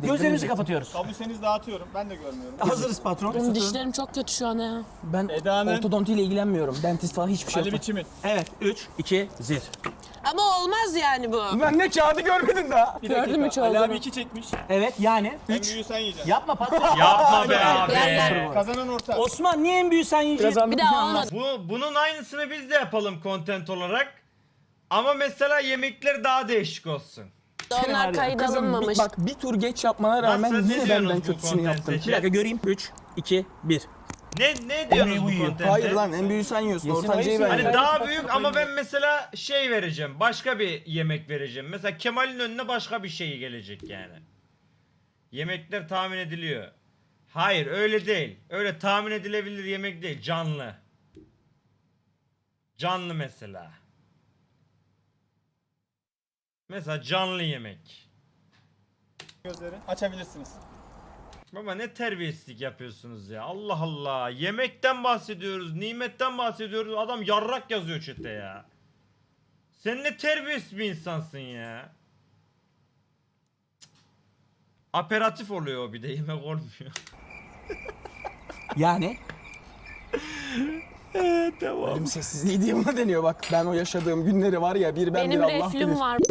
Speaker 4: Gözlerimizi kapatıyoruz.
Speaker 6: Kabuğuseniz dağıtıyorum. Ben de görmüyorum.
Speaker 4: Hazırız patron.
Speaker 3: Benim dişlerim çok kötü şu an ya.
Speaker 2: Ben
Speaker 6: Eda'nın-
Speaker 2: ortodontiyle ilgilenmiyorum. Dentist falan hiçbir şey
Speaker 6: Ali
Speaker 2: yok.
Speaker 6: biçimin.
Speaker 4: Evet 3, 2, 1.
Speaker 3: Ama olmaz yani bu.
Speaker 2: Ben ne kağıdı görmedin daha.
Speaker 3: Gördün mü
Speaker 6: Ali
Speaker 3: çoğunu?
Speaker 6: abi 2 çekmiş.
Speaker 4: Evet yani
Speaker 6: En
Speaker 4: 3.
Speaker 6: büyüğü sen yiyeceksin.
Speaker 4: Yapma patron.
Speaker 1: Yapma be
Speaker 3: Yerler.
Speaker 1: abi.
Speaker 6: Kazanan orta.
Speaker 4: Osman niye en büyüğü sen yiyeceksin?
Speaker 3: Bir daha olmadı.
Speaker 1: Bunun aynısını biz de yapalım content olarak. Ama mesela yemekler daha değişik olsun.
Speaker 3: Onlar kayıt alınmamış.
Speaker 2: Bak bir tur geç yapmana rağmen
Speaker 1: Nasıl, ne
Speaker 2: yine
Speaker 1: diyorsunuz
Speaker 2: benden
Speaker 1: bu
Speaker 2: kötüsünü
Speaker 1: content
Speaker 2: yaptın.
Speaker 1: seçen?
Speaker 4: Bir dakika göreyim. 3, 2, 1.
Speaker 1: Ne diyorsunuz bu content'e?
Speaker 2: Hayır lan en büyüğü sen yiyorsun.
Speaker 4: Yesin
Speaker 2: Ortancayı
Speaker 4: ayısı.
Speaker 2: ben
Speaker 1: Hani
Speaker 2: yerim.
Speaker 1: daha büyük ama ben mesela şey vereceğim. Başka bir yemek vereceğim. Mesela Kemal'in önüne başka bir şey gelecek yani. Yemekler tahmin ediliyor. Hayır öyle değil. Öyle tahmin edilebilir yemek değil. Canlı. Canlı mesela. Mesela canlı yemek.
Speaker 6: Gözleri açabilirsiniz.
Speaker 1: Baba ne terbiyesizlik yapıyorsunuz ya. Allah Allah. Yemekten bahsediyoruz. Nimetten bahsediyoruz. Adam yarrak yazıyor chat'e ya. Sen ne terbiyesiz bir insansın ya. Cık. Aperatif oluyor o bir de yemek olmuyor.
Speaker 4: Yani
Speaker 1: Tamam.
Speaker 2: Ölüm sessizliği diye buna deniyor bak. Ben o yaşadığım günleri var ya bir ben
Speaker 3: Benim
Speaker 2: bir Allah bilir.
Speaker 3: reflüm var.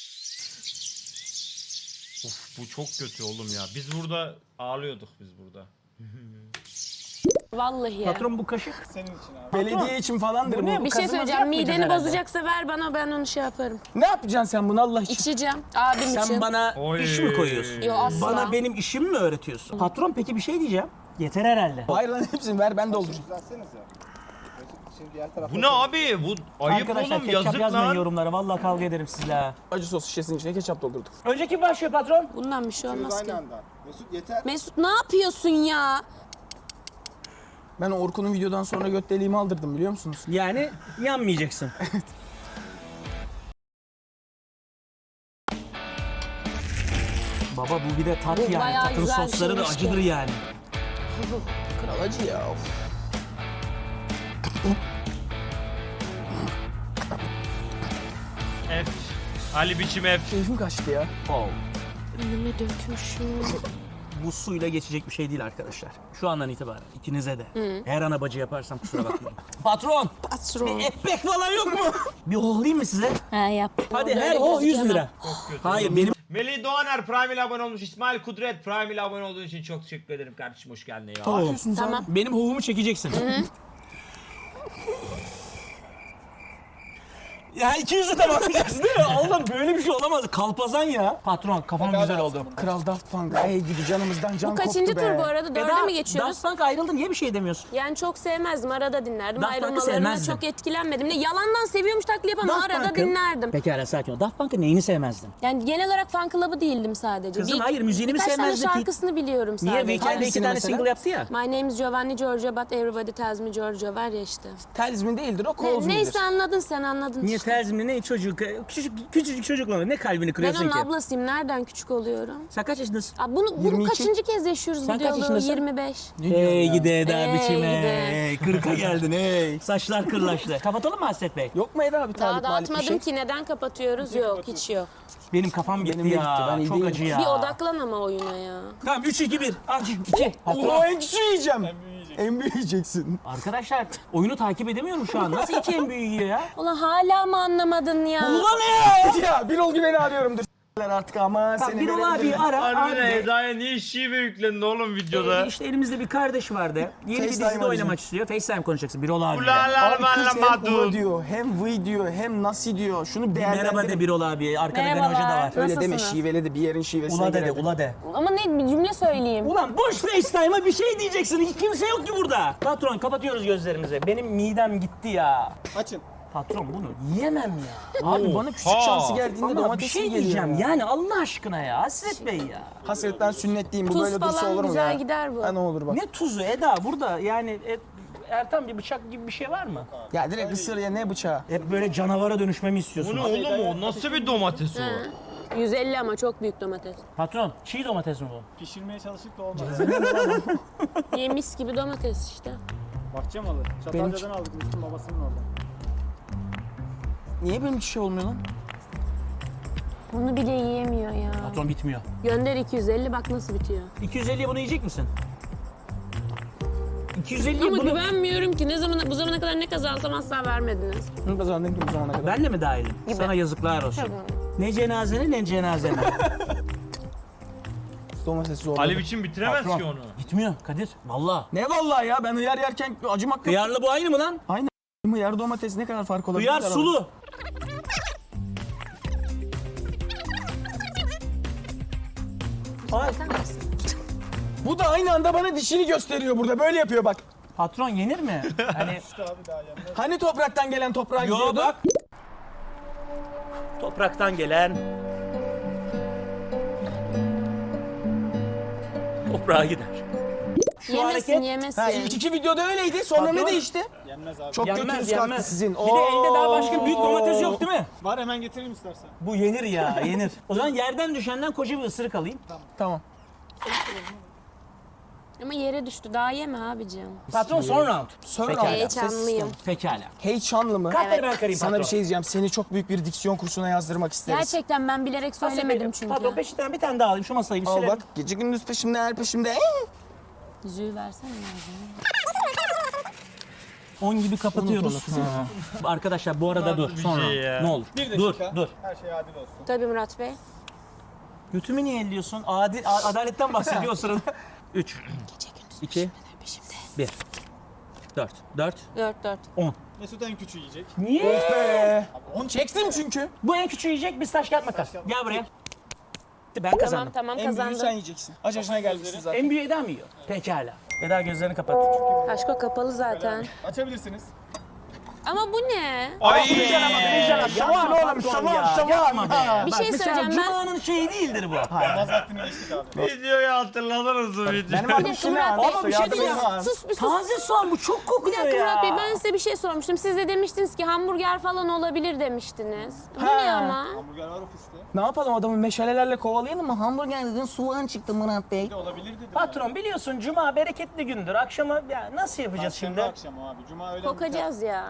Speaker 1: Of bu çok kötü oğlum ya. Biz burada ağlıyorduk biz burada.
Speaker 3: Vallahi ya.
Speaker 4: patron bu kaşık.
Speaker 6: Senin için abi.
Speaker 2: Belediye için falandır bu.
Speaker 4: Bu ne?
Speaker 3: Bir şey
Speaker 4: Kazımaz
Speaker 3: söyleyeceğim.
Speaker 4: yapmayacağız
Speaker 3: Mideni
Speaker 4: herhalde.
Speaker 3: bozacaksa ver bana, ben onu şey yaparım.
Speaker 2: Ne yapacaksın sen bunu Allah için?
Speaker 3: İçeceğim. Abim için.
Speaker 4: Sen bana
Speaker 1: Oy.
Speaker 4: iş mi koyuyorsun?
Speaker 3: Yo, asla.
Speaker 4: Bana benim işimi mi öğretiyorsun? Patron peki bir şey diyeceğim. Yeter herhalde.
Speaker 2: Hayır lan hepsini ver ben doldurayım.
Speaker 6: Düzeltseniz ya. Şimdi diğer tarafta.
Speaker 1: Bu ne abi? Bu ayıp
Speaker 4: Arkadaşlar
Speaker 1: oğlum
Speaker 4: ketçap
Speaker 1: yazık
Speaker 4: yazmayın
Speaker 1: lan.
Speaker 4: yorumlara. Vallahi kavga ederim sizle ha.
Speaker 2: Acı sos şişesinin içine ketçap doldurduk.
Speaker 4: Önceki başlıyor patron.
Speaker 3: Bundan bir şey olmaz
Speaker 6: Aynı
Speaker 3: ki.
Speaker 6: anda. Mesut yeter.
Speaker 3: Mesut ne yapıyorsun ya?
Speaker 2: Ben Orkun'un videodan sonra göt deliğimi aldırdım biliyor musunuz?
Speaker 4: Yani yanmayacaksın. Baba bu bir de tat
Speaker 3: Bu
Speaker 4: yani.
Speaker 3: bayağı
Speaker 4: Tatın
Speaker 3: güzel bir
Speaker 4: sosları da
Speaker 3: şeymiş
Speaker 4: acıdır
Speaker 3: ki.
Speaker 4: yani.
Speaker 2: Kral acı ya. Of.
Speaker 1: F. Ali biçim F.
Speaker 2: Keyfim kaçtı ya.
Speaker 4: Oh.
Speaker 3: Önüme dökmüşüm.
Speaker 4: Bu suyla geçecek bir şey değil arkadaşlar. Şu andan itibaren ikinize de. Her ana bacı yaparsam kusura bakmayın. Patron.
Speaker 3: Patron.
Speaker 4: Ekmek falan yok mu? Bir hohlayayım mı size?
Speaker 3: He yap.
Speaker 4: Hadi
Speaker 3: Böyle
Speaker 4: her o 100
Speaker 3: gözükemem.
Speaker 4: lira. Hayır benim
Speaker 1: Melih Doğaner Prime ile abone olmuş. İsmail Kudret Prime ile abone olduğun için çok teşekkür ederim kardeşim. Hoş geldin ya.
Speaker 4: Tamam.
Speaker 3: Tamam.
Speaker 4: Benim hovumu çekeceksin. Ya 200'ü tamamlayacaksın değil mi? Allah'ım böyle bir şey olamaz. Kalpazan ya. Patron kafam güzel oldu.
Speaker 2: Kral Daft Punk. Ey gidi canımızdan can
Speaker 3: Bu
Speaker 2: koptu
Speaker 3: kaçıncı
Speaker 2: be.
Speaker 3: tur bu arada? Dörde mi geçiyoruz?
Speaker 4: Daft Punk ayrıldı niye bir şey demiyorsun?
Speaker 3: Yani çok sevmezdim. Arada dinlerdim.
Speaker 4: Daft Punk'ı
Speaker 3: Ayrılmalarına
Speaker 4: sevmezdin.
Speaker 3: çok etkilenmedim. Ne yalandan seviyormuş taklidi yapamam.
Speaker 4: Daft
Speaker 3: Arada
Speaker 4: Punk'ın-
Speaker 3: dinlerdim.
Speaker 4: Pekala sakin ol. Daft Punk'ın neyini sevmezdin?
Speaker 3: Yani genel olarak fan club'ı değildim sadece.
Speaker 4: Kızım, hayır, müziğini mi
Speaker 3: birkaç tane
Speaker 4: sevmezdin ki?
Speaker 3: şarkısını biliyorum
Speaker 4: Niye?
Speaker 3: sadece.
Speaker 4: Weekend'de 2
Speaker 2: Hangisini
Speaker 4: tane
Speaker 2: mesela?
Speaker 4: single yaptı ya.
Speaker 3: My name is Giovanni Giorgio but everybody tells me Giorgio var ya işte.
Speaker 2: Talisman değildir o Colesman'dır.
Speaker 3: Neyse anladın sen anladın
Speaker 4: Niye
Speaker 3: işte.
Speaker 4: terzimle ne çocuk, küçücük çocukla ne kalbini
Speaker 3: Ben
Speaker 4: kırıyorsun
Speaker 3: onun
Speaker 4: ki?
Speaker 3: ablasıyım. Nereden küçük oluyorum?
Speaker 4: Sen kaç yaşındasın?
Speaker 3: Abi bunu
Speaker 2: 22.
Speaker 3: kaçıncı kez yaşıyoruz
Speaker 4: Sen
Speaker 3: bu
Speaker 4: kaç
Speaker 3: diyaloğu?
Speaker 4: yaşındasın?
Speaker 3: 25.
Speaker 4: Hey gide Eda
Speaker 3: Hey
Speaker 4: biçime.
Speaker 3: gide.
Speaker 4: 40'a geldin hey. Saçlar kırlaştı. Kapatalım mı Hasret Bey?
Speaker 2: Yok mu Eda abi
Speaker 3: Daha
Speaker 2: talip malip bir
Speaker 3: dağıtmadım
Speaker 2: şey?
Speaker 3: ki neden kapatıyoruz? Yok hiç yok.
Speaker 4: Benim kafam gitti
Speaker 2: Benim de
Speaker 4: ya.
Speaker 2: gitti, ben iyi
Speaker 4: Çok
Speaker 2: değilim.
Speaker 4: acı ya.
Speaker 3: Bir odaklan ama oyuna ya.
Speaker 4: Tamam 3 2 1. Aç 2.
Speaker 2: Oo en küçüğü yiyeceğim. En büyüğü yiyeceksin.
Speaker 4: Arkadaşlar oyunu takip edemiyorum şu an. Nasıl 2 en büyüğü yiyor ya?
Speaker 3: Ulan hala mı anlamadın ya?
Speaker 4: Ulan ya!
Speaker 2: Ya Birol Güven'i arıyorum dur. Artık ama
Speaker 4: Tamam
Speaker 2: seni
Speaker 4: bir ol abi ara.
Speaker 1: Harbiden
Speaker 4: Abi.
Speaker 1: Eda'ya niye şive yüklendi oğlum videoda?
Speaker 4: İşte elimizde bir kardeş vardı. Yeni bir
Speaker 2: FaceTime
Speaker 4: dizide
Speaker 2: arayacağım.
Speaker 4: oynamak istiyor. FaceTime konuşacaksın. Bir ol abi.
Speaker 1: Ulalar
Speaker 2: Abi kız hem
Speaker 1: malamadun.
Speaker 2: uva diyor, hem vıy diyor, hem nasi diyor. Şunu değerlendir.
Speaker 4: Merhaba de bir ol abi. Arkada Gene Hoca da
Speaker 3: Merhabalar.
Speaker 4: var.
Speaker 2: Öyle deme
Speaker 3: Nasılsınız?
Speaker 2: şiveli de bir yerin şivesine
Speaker 4: Ula de de,
Speaker 2: girelim.
Speaker 4: ula de.
Speaker 3: Ama ne bir cümle söyleyeyim.
Speaker 4: Ulan boş FaceTime'a bir şey diyeceksin. Hiç kimse yok ki burada. Patron kapatıyoruz gözlerimizi. Benim midem gitti ya.
Speaker 6: Açın.
Speaker 4: Patron bunu yiyemem ya.
Speaker 2: Abi bana küçük şansı geldiğinde
Speaker 4: Ama bir
Speaker 2: domates
Speaker 4: şey
Speaker 2: geliyor.
Speaker 4: diyeceğim
Speaker 2: ya.
Speaker 4: yani Allah aşkına ya Hasret Bey ya.
Speaker 2: Hasretten sünnetliyim bu
Speaker 3: Tuz
Speaker 2: böyle dursa
Speaker 3: falan
Speaker 2: olur mu
Speaker 3: güzel
Speaker 2: ya?
Speaker 3: gider bu.
Speaker 2: Ha ne olur bak.
Speaker 4: Ne tuzu Eda burada yani Ertan bir bıçak gibi bir şey var mı?
Speaker 2: Ya direkt ısır ya ne bıçağı?
Speaker 4: Hep böyle canavara dönüşmemi
Speaker 1: Bu
Speaker 4: istiyorsun.
Speaker 1: ne oğlum o? Nasıl bir domates o?
Speaker 3: 150 ama çok büyük domates.
Speaker 4: Patron çiğ domates mi bu?
Speaker 6: Pişirmeye çalıştık da olmadı.
Speaker 3: Yemiş gibi domates işte.
Speaker 6: Bahçe malı. Çatalca'dan aldık Müslüm babasının orada.
Speaker 2: Niye benim hiç şey olmuyor lan?
Speaker 3: Onu bile yiyemiyor ya.
Speaker 4: Patron bitmiyor.
Speaker 3: Gönder 250 bak nasıl bitiyor.
Speaker 4: 250'ye bunu yiyecek misin? 250'ye
Speaker 3: Ama
Speaker 4: bunu...
Speaker 3: güvenmiyorum ki bu zamana kadar ne kazansam asla vermediniz.
Speaker 2: Bu zamana kadar.
Speaker 4: Ben de mi dahilim? Sana yazıklar olsun.
Speaker 3: Tabii.
Speaker 4: Ne cenazene ne cenazeme.
Speaker 2: Domatesi zor.
Speaker 1: Ali biçim bitiremez
Speaker 4: Patron.
Speaker 1: ki onu.
Speaker 4: Gitmiyor Kadir. Vallahi.
Speaker 2: Ne vallahi ya, ben hıyar yerken acımak yok.
Speaker 4: Hıyarlı bu aynı mı lan?
Speaker 2: Hıyar domates ne kadar fark olabilir?
Speaker 4: Hıyar sulu. Ay,
Speaker 2: Bu da aynı anda bana dişini gösteriyor burada. Böyle yapıyor bak.
Speaker 4: patron yenir mi? Hani
Speaker 2: Hani topraktan gelen toprağa
Speaker 4: yo
Speaker 2: gidiyordu?
Speaker 4: bak. Topraktan gelen toprağa gider. Şu
Speaker 3: Yemesin
Speaker 4: hareket
Speaker 3: yemesin.
Speaker 2: Ha, ilk iki videoda öyleydi. Sonra
Speaker 4: Patron.
Speaker 2: ne değişti?
Speaker 6: Yenmez abi.
Speaker 2: Çok
Speaker 4: yenmez
Speaker 2: götünüz kalktı
Speaker 4: yenmez.
Speaker 2: sizin.
Speaker 4: Bir de elde daha başka büyük domates yok değil mi?
Speaker 6: Var hemen getireyim istersen.
Speaker 4: Bu yenir ya yenir. O zaman yerden düşenden koca bir ısırık alayım.
Speaker 2: Tamam.
Speaker 3: Ama yere düştü daha yeme abicim.
Speaker 4: Patron son round.
Speaker 2: Sonra
Speaker 4: Pekala.
Speaker 3: Heyecanlıyım.
Speaker 4: Pekala.
Speaker 2: Heyecanlı mı?
Speaker 4: Kalpleri ben karayım
Speaker 2: Sana
Speaker 4: patron.
Speaker 2: bir şey diyeceğim. Seni çok büyük bir diksiyon kursuna yazdırmak isteriz.
Speaker 3: Gerçekten ben bilerek söylemedim çünkü.
Speaker 4: Patron peşinden bir tane daha alayım şu masayı bir
Speaker 2: Al
Speaker 4: silelim.
Speaker 2: bak, gece gündüz peşimde, her peşimde.
Speaker 3: Yüzüğü versene lazım.
Speaker 4: 10 gibi kapatıyoruz. Arkadaşlar bu arada dur
Speaker 1: bir
Speaker 4: sonra.
Speaker 1: şey ya.
Speaker 4: Ne olur.
Speaker 6: Bir
Speaker 4: Dur
Speaker 6: dakika.
Speaker 4: dur.
Speaker 6: Her şey adil olsun.
Speaker 3: Tabii Murat Bey.
Speaker 4: Götümü niye elliyorsun? Adaletten bahsediyor o sırada. 3, 2, 1, 4, 4,
Speaker 3: 4.
Speaker 4: 10.
Speaker 6: Mesut en küçüğü yiyecek.
Speaker 4: Niye?
Speaker 2: Onu çektim çünkü.
Speaker 4: Bu en küçüğü yiyecek biz taş kağıt makas. Gel buraya. Ben kazandım.
Speaker 3: Tamam
Speaker 2: En büyüğü sen
Speaker 3: kazandım.
Speaker 2: yiyeceksin. Aç yaşına gelmişsin zaten.
Speaker 4: En büyüğü Eda mı yiyor? Pekala. Eda gözlerini kapat.
Speaker 3: Aşko kapalı zaten.
Speaker 6: Açabilirsiniz.
Speaker 3: Ama bu ne?
Speaker 1: Ay.
Speaker 4: Soğan oğlum soğan. Yapma be.
Speaker 3: Bir şey söyleyeceğim ben.
Speaker 4: Cuma'nın şeyi değildir bu.
Speaker 6: Namaz vaktini geçtik abi.
Speaker 1: Videoyu hatırladınız mı video?
Speaker 2: Benim
Speaker 3: Bir
Speaker 2: adım
Speaker 3: dakika Murat Bey.
Speaker 4: Ama bir şey diyeceğim.
Speaker 3: Sus bir sus.
Speaker 4: Taze soğan bu çok
Speaker 3: Bir
Speaker 4: kokuyor
Speaker 3: dakika
Speaker 4: ya.
Speaker 3: Murat Bey ben size bir şey sormuştum. Siz de demiştiniz ki hamburger falan olabilir demiştiniz. Bu
Speaker 2: Ha.
Speaker 3: ne ama?
Speaker 6: Hamburger var ofiste.
Speaker 2: Ne yapalım, adamı meşalelerle kovalayalım mı? Hamburger dedin, soğan çıktı Murat Bey.
Speaker 6: Bir de olabilir dedim.
Speaker 4: Patron biliyorsun Cuma bereketli gündür. Akşama ya nasıl yapacağız
Speaker 6: Şimdi
Speaker 4: şimdi?
Speaker 6: akşam abi. Cuma öyle
Speaker 3: Kokacağız ya.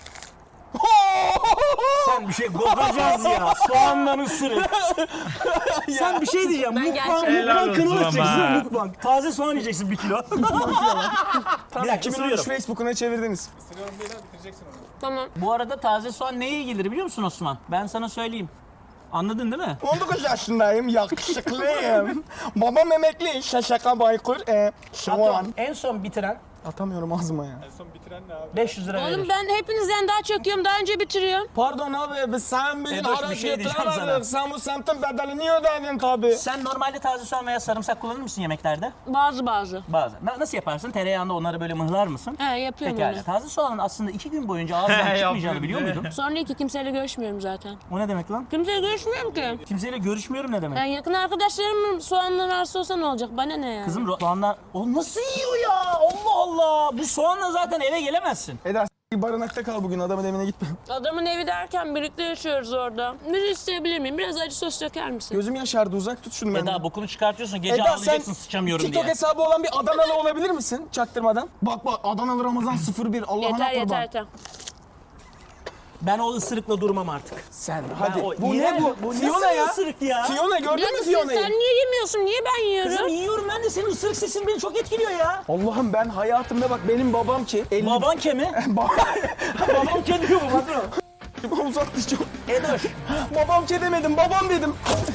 Speaker 4: Sen bir şey kokacağız ya. Soğandan ısırık. Sen bir şey diyeceğim.
Speaker 3: Ben
Speaker 4: Mukbang
Speaker 1: Helal olsun
Speaker 4: kanalı
Speaker 1: ama.
Speaker 4: açacaksın mukbang. Taze soğan yiyeceksin 1 kilo. Bir dakika
Speaker 2: 2013
Speaker 4: ısırıyorum.
Speaker 2: Facebook'una çevirdiniz.
Speaker 6: Isırıyorum değil abi bitireceksin onu.
Speaker 3: Tamam.
Speaker 4: Bu arada taze soğan neye iyi gelir biliyor musun Osman? Ben sana söyleyeyim. Anladın değil mi?
Speaker 2: 19 yaşındayım, yakışıklıyım. Babam emekli, şaşaka baykur, soğan.
Speaker 4: Patron en son bitiren
Speaker 2: Atamıyorum ağzıma ya.
Speaker 6: En son bitiren ne abi?
Speaker 4: 500 lira
Speaker 3: Oğlum
Speaker 4: verir.
Speaker 3: ben hepinizden daha çok yiyorum. Daha önce bitiriyorum.
Speaker 2: Pardon abi, sen benim
Speaker 4: Edoş, bir
Speaker 2: araç
Speaker 4: şey diyeceğim sana.
Speaker 2: getiremezdin. Sen bu semtin bedelini ödedin tabii.
Speaker 4: Sen normalde taze soğan veya sarımsak kullanır mısın yemeklerde?
Speaker 3: Bazı.
Speaker 4: Bazen. Nasıl yaparsın? Tereyağında onları böyle mıhlar mısın?
Speaker 3: He yapıyorum
Speaker 4: Pekala.
Speaker 3: onu.
Speaker 4: Taze soğanın aslında 2 gün boyunca ağızdan
Speaker 1: Yapıyorum
Speaker 4: çıkmayacağını biliyor
Speaker 1: diye.
Speaker 4: muydun?
Speaker 3: Sonra ki kimseyle görüşmüyorum zaten.
Speaker 4: O ne demek lan?
Speaker 3: Kimseyle görüşmüyorum ki.
Speaker 4: Kimseyle görüşmüyorum ne demek?
Speaker 3: Yani yakın arkadaşlarım soğandan arsa olsa ne olacak? Bana ne ya?
Speaker 4: Kızım soğanlar... O nasıl yiyor ya? Allah Allah! Bu soğanla zaten eve gelemezsin.
Speaker 2: Eda barınakta kal bugün, adamın evine gitme.
Speaker 3: Adamın evi derken birlikte yaşıyoruz orada. Bir isteyebilir miyim? Biraz acı sos döker misin?
Speaker 2: Gözüm yaşardı, uzak tut şunu benden.
Speaker 4: Eda bokunu çıkartıyorsun. Gece
Speaker 2: Eda,
Speaker 4: ağlayacaksın sıçamıyorum
Speaker 2: TikTok
Speaker 4: diye.
Speaker 2: hesabı olan bir Adanalı olabilir misin çaktırmadan? Bak Adanalı Ramazan 01 Allah'ına
Speaker 3: Yeter
Speaker 2: kurban.
Speaker 3: yeter.
Speaker 4: Ben o ısırıkla durmam artık.
Speaker 2: Sen hadi.
Speaker 4: o
Speaker 2: Bu
Speaker 4: iğrenç-
Speaker 2: ne bu?
Speaker 4: bu
Speaker 2: Fiona
Speaker 4: nasıl
Speaker 2: ya.
Speaker 4: ısırık ya?
Speaker 2: Fiona gördün mü
Speaker 3: Sen
Speaker 2: Fiona'yı?
Speaker 3: niye yemiyorsun? Niye ben yiyorum?
Speaker 4: Kızım yiyorum ben de senin ısırık sesin beni çok etkiliyor ya.
Speaker 2: Allah'ım ben hayatımda bak benim babam ki.
Speaker 4: Baban kemi? Babam kemi diyor bu patron.
Speaker 2: Uzattı çok.
Speaker 4: Edoş.
Speaker 2: Babam ki demedim, babam dedim.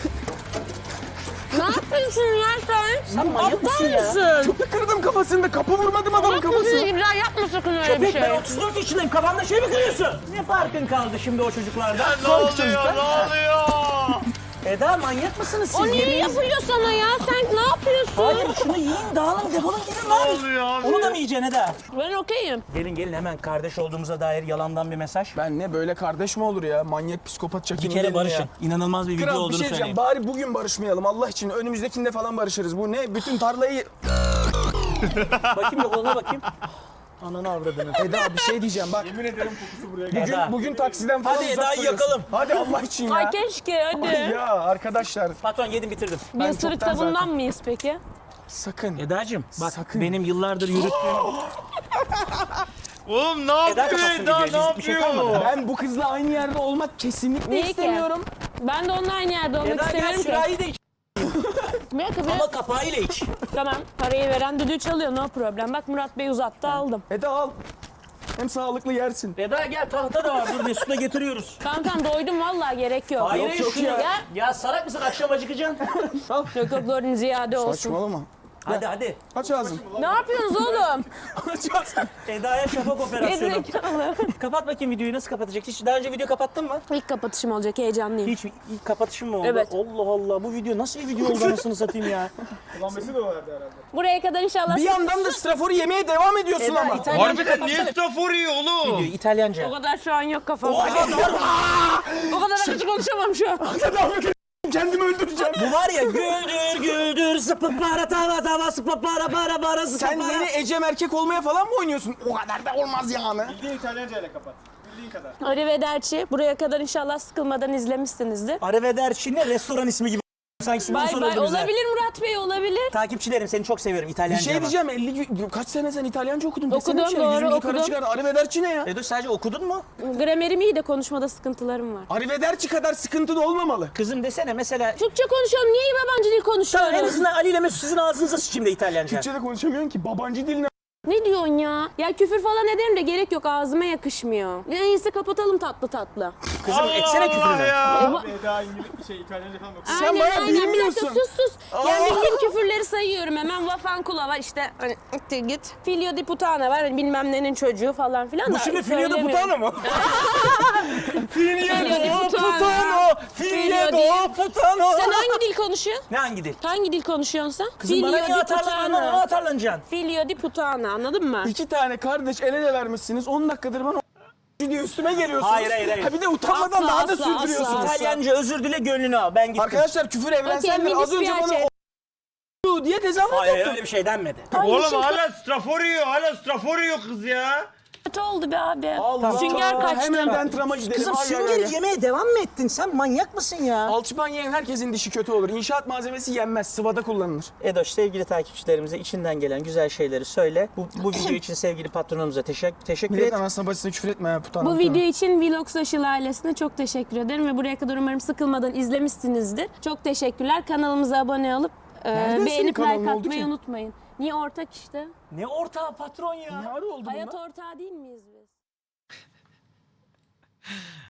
Speaker 3: Ne yapıyorsun ya sen?
Speaker 4: Sen manyak mısın ya?
Speaker 3: Mısın?
Speaker 2: Kırdım kafasını, kapı vurmadım adamın
Speaker 3: Yapmasın
Speaker 2: kafasını.
Speaker 3: İbrahim yapma sakın öyle bir
Speaker 4: Köpek
Speaker 3: şey.
Speaker 4: ben 34 yaşındayım kafanda şey mi kırıyorsun? Ne farkın kaldı şimdi o çocuklardan?
Speaker 1: Ne oluyor? Ne oluyor?
Speaker 4: Eda manyak mısınız siz?
Speaker 3: O niye
Speaker 4: Yemeğiniz-
Speaker 3: yapıyor sana ya? Sen ne yapıyorsun?
Speaker 4: Hayır şunu yiyin dağılın defolun gidin
Speaker 1: Ne
Speaker 4: lan.
Speaker 1: oluyor abi?
Speaker 4: Onu da mı yiyeceksin Eda?
Speaker 3: Ben okeyim.
Speaker 4: Gelin hemen kardeş olduğumuza dair yalandan bir mesaj.
Speaker 2: Ben ne böyle kardeş mi olur ya? Manyak psikopat
Speaker 4: Bir
Speaker 2: çakinin
Speaker 4: kere
Speaker 2: yerine
Speaker 4: barışın.
Speaker 2: ya.
Speaker 4: İnanılmaz bir video
Speaker 2: Kral bir
Speaker 4: olduğunu
Speaker 2: şey
Speaker 4: söyleyeyim.
Speaker 2: diyeceğim. Bari bugün barışmayalım Allah için. Önümüzdekinde falan barışırız. Bu ne? Bütün tarlayı...
Speaker 4: Bakayım bir koluna bakayım. Ananı avradını.
Speaker 2: Eda bir şey diyeceğim bak.
Speaker 6: Yemin ederim kokusu buraya geldi.
Speaker 4: Eda.
Speaker 2: Bugün taksiden falan
Speaker 4: Hadi
Speaker 2: uzak
Speaker 4: Eda'yı
Speaker 2: duruyorsun.
Speaker 4: yakalım.
Speaker 2: Hadi Allah için ya.
Speaker 3: Ay keşke hadi.
Speaker 2: Ya arkadaşlar
Speaker 4: Patron yedim bitirdim.
Speaker 3: Bir
Speaker 2: ben
Speaker 3: ısırık
Speaker 2: çoktan
Speaker 3: da bundan
Speaker 2: zaten-
Speaker 3: mıyız peki?
Speaker 2: sakın.
Speaker 4: Eda'cığım bak
Speaker 2: Sakın.
Speaker 4: benim yıllardır yürüttüğüm...
Speaker 1: Oğlum ne yapıyor
Speaker 4: kapatsın
Speaker 1: Eda?
Speaker 4: videoyu,
Speaker 1: Ne
Speaker 4: bir şey kalmadı.
Speaker 1: yapıyor?
Speaker 2: Ben bu kızla aynı yerde olmak kesinlikle
Speaker 3: Niye ki?
Speaker 2: istemiyorum.
Speaker 3: Ben de onunla aynı yerde olmak
Speaker 4: Eda gel
Speaker 3: istemiyorum ki.
Speaker 4: sürahi de iç.
Speaker 3: Bir dakika,
Speaker 4: Ama kapağıyla iç.
Speaker 3: Tamam, parayı veren düdüğü çalıyor, no problem. Bak Murat Bey uzattı, aldım.
Speaker 2: Eda al. Hem sağlıklı yersin.
Speaker 4: Eda gel tahta da var. Dur Mesut'a getiriyoruz.
Speaker 3: Tamam doydum vallahi, gerek yok.
Speaker 4: Hayır
Speaker 2: yok
Speaker 4: şunu
Speaker 2: ya.
Speaker 4: ya. Ya salak mısın? Akşam acıkacaksın.
Speaker 3: Yok yok, doğru ziyade olsun.
Speaker 2: Saçmalama.
Speaker 4: hadi.
Speaker 2: Aç ağzını.
Speaker 3: Ne yapıyorsunuz oğlum?
Speaker 2: Aç ağzını.
Speaker 4: Eda'ya şafak operasyonu.
Speaker 3: Gerizekalı.
Speaker 4: Kapat bakayım videoyu. Nasıl kapatacak? Hiç daha önce video kapattın mı?
Speaker 3: İlk kapatışım olacak, heyecanlıyım.
Speaker 4: Hiç ilk kapatışım mı oldu?
Speaker 3: Evet.
Speaker 4: Allah Allah. Bu video nasıl bir video oldu anasını satayım ya.
Speaker 6: Ulan Mesut da vardı herhalde.
Speaker 3: Buraya kadar inşallah...
Speaker 2: Bir yandan da straforu yemeye devam ediyorsun
Speaker 4: Eda,
Speaker 2: ama.
Speaker 4: İtalyanca
Speaker 1: Harbiden niye
Speaker 4: kapatsana.
Speaker 1: staff vuruyor oğlum?
Speaker 4: Videoyu İtalyanca.
Speaker 3: O kadar şu an yok kafamda. O kadar açık konuşamam şu an.
Speaker 2: Kendimi öldüreceğim.
Speaker 4: Bu var ya güldür güldür sıpıp para tava tava sıpıp para para sıpıp
Speaker 2: Sen
Speaker 4: para.
Speaker 2: yeni Ecem erkek olmaya falan mı oynuyorsun? O kadar da olmaz yani.
Speaker 6: Bildiğin İtalyanca ile kapat. Bildiğin kadar.
Speaker 3: Arrivederci. Buraya kadar inşallah sıkılmadan izlemişsinizdir.
Speaker 4: Arrivederci ne restoran ismi gibi. Sanki
Speaker 3: Bay
Speaker 4: sponsor
Speaker 3: bay.
Speaker 4: oldu bize.
Speaker 3: Olabilir Murat Bey, olabilir.
Speaker 4: Takipçilerim seni çok seviyorum
Speaker 2: Bir
Speaker 4: İtalyanca.
Speaker 2: şey
Speaker 4: ama.
Speaker 2: diyeceğim 50 kaç sene sen İtalyanca okudun?
Speaker 3: Okudum,
Speaker 2: Desene bir şey,
Speaker 3: doğru,
Speaker 2: yüzümüzü kara
Speaker 3: okudum.
Speaker 2: çıkar. Arrivederci ne ya?
Speaker 4: Edo sadece okudun mu?
Speaker 3: Gramerim iyi de konuşmada sıkıntılarım var.
Speaker 2: Arrivederci kadar sıkıntı da olmamalı.
Speaker 4: Kızım desene mesela.
Speaker 3: Türkçe konuşuyorum. Niye yabancı dil
Speaker 4: Tamam en
Speaker 3: konuşuyorum?
Speaker 4: azından Ali ile Mesut sizin ağzınıza sıçayım da İtalyanca.
Speaker 2: Türkçe'de konuşamıyorsun ki. Babancı diline.
Speaker 3: Ne diyorsun ya? Ya küfür falan ederim de gerek yok. Ağzıma yakışmıyor. En iyisi kapatalım tatlı tatlı.
Speaker 4: Kızım
Speaker 1: Allah
Speaker 4: etsene
Speaker 1: Allah
Speaker 4: küfürünü.
Speaker 1: ya.
Speaker 6: Abi Eda İtalyanca falan okuyor.
Speaker 2: Sen bayağı
Speaker 3: Bir dakika
Speaker 2: bilmiyorsun.
Speaker 3: sus. Yani bildiğim küfürleri sayıyorum hemen. Vafankula var işte. Hani ittir git. Filio di putana var. Hani bilmem nenin çocuğu falan filan da.
Speaker 4: Bu şimdi Filio da
Speaker 3: söylemiyorum.
Speaker 4: Putano mu?
Speaker 3: Filio di
Speaker 4: Filio da Putano.
Speaker 3: Sen hangi dil konuşuyorsun?
Speaker 4: Ne hangi dil?
Speaker 3: Hangi dil konuşuyorsun sen?
Speaker 4: Kızım bana niye atarlanıyorsun? Ona atarlanacaksın.
Speaker 3: Filio di putana, anladın mı?
Speaker 2: 2 tane kardeş el ele vermişsiniz. 10 dakikadır bana diye üstüme geliyorsunuz.
Speaker 4: Hayır.
Speaker 2: Ha bir de utanmadan
Speaker 3: Asla,
Speaker 2: daha da
Speaker 3: asla,
Speaker 2: sürdürüyorsunuz.
Speaker 3: asla.
Speaker 4: İtalyanca özür dile gönlünü al. Ben gittim.
Speaker 2: Arkadaşlar küfür evrenseldir.
Speaker 3: Okey,
Speaker 2: Az önce
Speaker 3: minis bir
Speaker 2: bana o diye tezahürat
Speaker 4: Hayır
Speaker 2: yaptın.
Speaker 4: öyle bir şey denmedi.
Speaker 1: Oğlum hala strafor yiyor. Hala strafor yiyor kız ya.
Speaker 3: Kötü oldu be abi.
Speaker 2: Allah.
Speaker 3: Sünger kaçtı.
Speaker 2: Hemen dentrama gidelim.
Speaker 4: Kızım
Speaker 2: Ay, ay,
Speaker 4: süngeri
Speaker 2: ay.
Speaker 4: yemeye devam mı ettin? Sen manyak mısın ya?
Speaker 2: Alçıpan yiyen herkesin dişi kötü olur. İnşaat malzemesi yenmez. Sıvada kullanılır.
Speaker 4: Edoş sevgili takipçilerimize içinden gelen güzel şeyleri söyle. Bu video için sevgili patronumuza teşekkür et.
Speaker 2: Millet anasına bacısına küfür etme ya putanım.
Speaker 3: Bu video için Vlog Social ailesine çok teşekkür ederim ve buraya kadar umarım sıkılmadan izlemişsinizdir. Çok teşekkürler. Kanalımıza abone olup
Speaker 2: Nereden senin
Speaker 3: beğenip
Speaker 2: kanalın
Speaker 3: like
Speaker 2: oldu
Speaker 3: atmayı
Speaker 2: ki?
Speaker 3: unutmayın. Niye ortak işte?
Speaker 4: Ne ortağı patron ya?
Speaker 2: Ne ara oldu
Speaker 3: Hayat
Speaker 2: bunlar?
Speaker 3: ortağı değil miyiz biz?